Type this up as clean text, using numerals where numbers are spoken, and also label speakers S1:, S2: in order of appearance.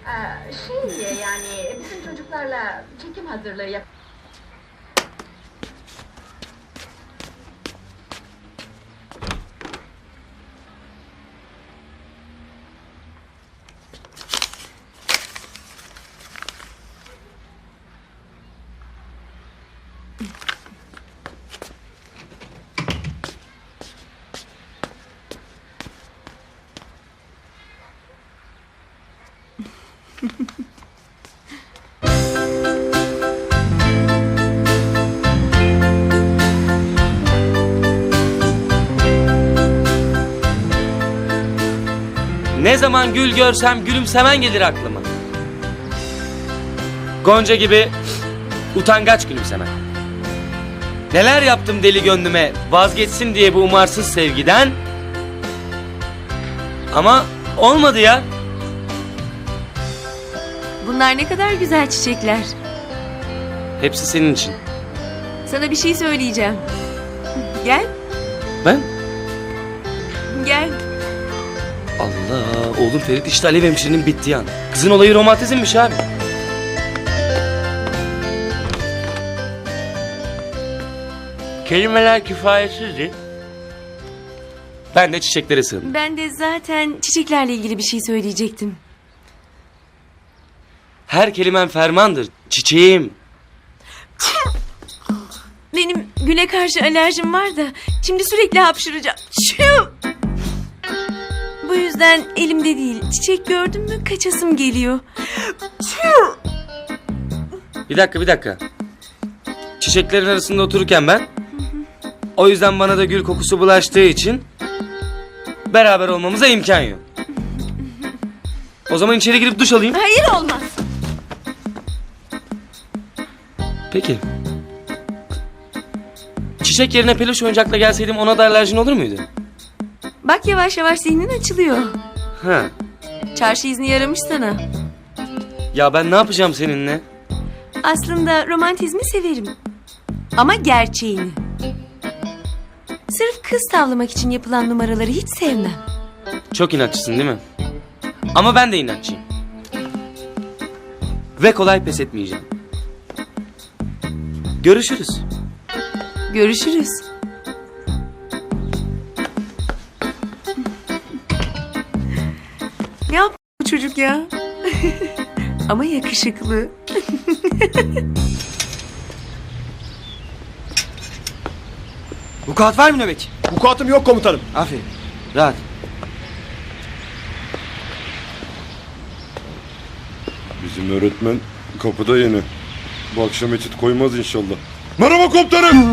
S1: Yani bizim çocuklarla çekim hazırlığı yap.
S2: Ne zaman gül görsem gülümsemen gelir aklıma. Gonca gibi utangaç gülümsemen. Neler yaptım deli gönlüme vazgeçsin diye bu umarsız sevgiden. Ama olmadı ya.
S3: Bunlar ne kadar güzel çiçekler.
S2: Hepsi senin için.
S3: Sana bir şey söyleyeceğim. Gel,
S2: Ben?
S3: gel.
S2: Allah, oğlum Ferit işte Alev hemşirenin bittiği an. Kızın olayı romantizmmiş abi. Kelimeler kifayetsizdi. Ben de çiçeklere sığındım.
S3: Ben de zaten çiçeklerle ilgili bir şey söyleyecektim.
S2: Her kelimen fermandır çiçeğim.
S3: Benim güle karşı alerjim var da şimdi sürekli hapşıracağım. Şu! Bu yüzden elimde değil. Çiçek gördüm mü kaçasım geliyor.
S2: Bir dakika. Çiçeklerin arasında otururken ben... O yüzden bana da gül kokusu bulaştığı için... Beraber olmamıza imkan yok. O zaman içeri girip duş alayım.
S3: Hayır, olmaz.
S2: Peki. Çiçek yerine peluş oyuncakla gelseydim ona da alerjin olur muydu?
S3: Bak yavaş yavaş zihnin açılıyor.
S2: Ha.
S3: Çarşı izni yaramış sana.
S2: Ya ben ne yapacağım seninle?
S3: Aslında romantizmi severim. Ama gerçeğini. Sırf kız tavlamak için yapılan numaraları hiç sevmem.
S2: Çok inatçısın değil mi? Ama ben de inatçıyım. Ve kolay pes etmeyeceğim. Görüşürüz.
S3: Görüşürüz. Ne yaptı bu çocuk ya? Ama yakışıklı.
S2: Vukuat var mı nöbetçi?
S4: Vukuatım yok komutanım.
S2: Aferin. Rahat.
S4: Bizim öğretmen kapıda yeni. Bu akşam etüt koymaz inşallah. Merhaba komutanım.